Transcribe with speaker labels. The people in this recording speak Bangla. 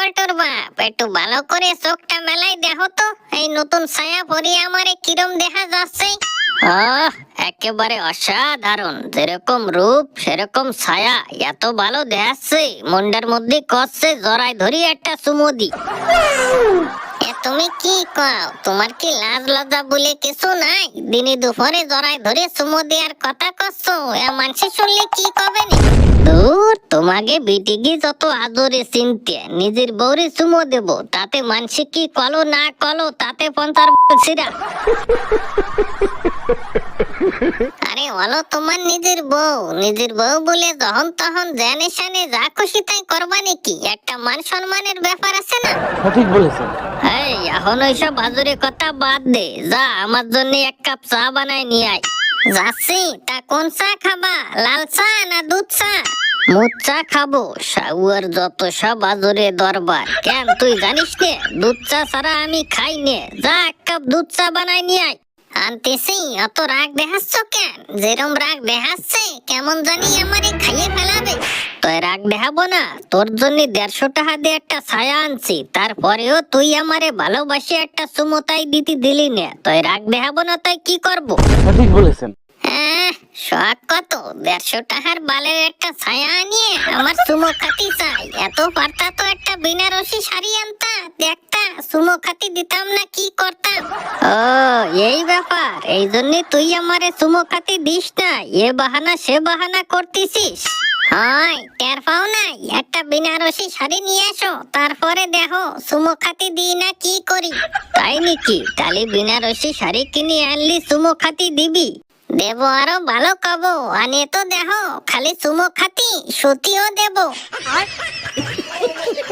Speaker 1: পল্টুর বাপ, একটু ভালো করে চোখটা মেলাই দেখো তো এই নতুন ছায়া পরি আমারে কিরম দেখা যাচ্ছে। একেবারে অসাধারণ, যেরকম রূপ সেরকম ছায়া, এত ভালো দেখাচ্ছে মন্ডার মধ্যে কষছে জড়াই ধরি একটা চুমু দি। তুমি কি কও, তোমার কি লাজ লজ্জা বলে কিছু নাই? দিনে দুপুরে জড়াই ধরে চুমু দেওয়ার কথা কচ্ছো, মানুষ শুনলে কি কবে নি? দূর, তোমাকে বিটিগি যত আদরে চিনতে, নিজের বউরে চুমু দেব, তাতে মানুষ কি কলো না কলো তাতে পঞ্চার ছিরা। আরে বলো, তোমার নিজের বউ বলে যখন তখন জানে শানে যা খুশি তাই করবা নাকি? একটা মান সম্মানের ব্যাপার আছে না?
Speaker 2: ঠিক বলেছেন।
Speaker 1: এই এখন ওইসব বাজুরে কথা বাদ দে, যা আমার জন্য এক কাপ চা বানাই নিয়ে আয়। যাচ্ছি, তা কোন চা খাবা, লাল চা না দুধ চা? মুদ চা খাবো, শাউয়ার যত সব বাজুরে দরবার। কেন তুই জানিস নে দুধ চা ছাড়া আমি খাই নে? যা এক কাপ দুধ চা বানাই নিয়ে আয়। আনতেছি, অত রাগ দেখাচ্ছ কেন? যেরম রাগ দেখাচ্ছে কেমন জানি আমারে খাইয়ে ফেলাবে। তুই রাগ দেখাবো না, তোর জন্য 150 টাকা দিয়ে একটা ছায়া আনছি, তারপরেও তুই আমারে ভালোবাসি একটা চুমোতাই দিতে দিলি না। তুই রাগ দেখাবো না, তাই কি করবো?
Speaker 2: ঠিক বলেছেন।
Speaker 1: শখ কত, 150 টাকার বালের একটা ছায়া আনিয়ে আমার চুমো খাতি চাই। এত পারতা তো একটা বেনারসি শাড়ি আনতা, দেখতা চুমো খাতি দিতাম না কি করতাম। ও এই ব্যাপার, এই জন্য তুই আমারে চুমো খাতি দিস না, এ বাহানা সে বাহানা করতেছিস। হয় টের পাও নাই, একটা বেনারসি শাড়ি নিয়ে আসো, তারপরে দেখো চুমো খাতি দিই না কি করি। তাই নাকি? তাহলে বেনারসি শাড়ি কিনে আনলি চুমো খাতি দিবি? দেব, আরো ভালো কবো, আনিয়ে তো দেখো খালি চুমো খাতি সুতিও দেব।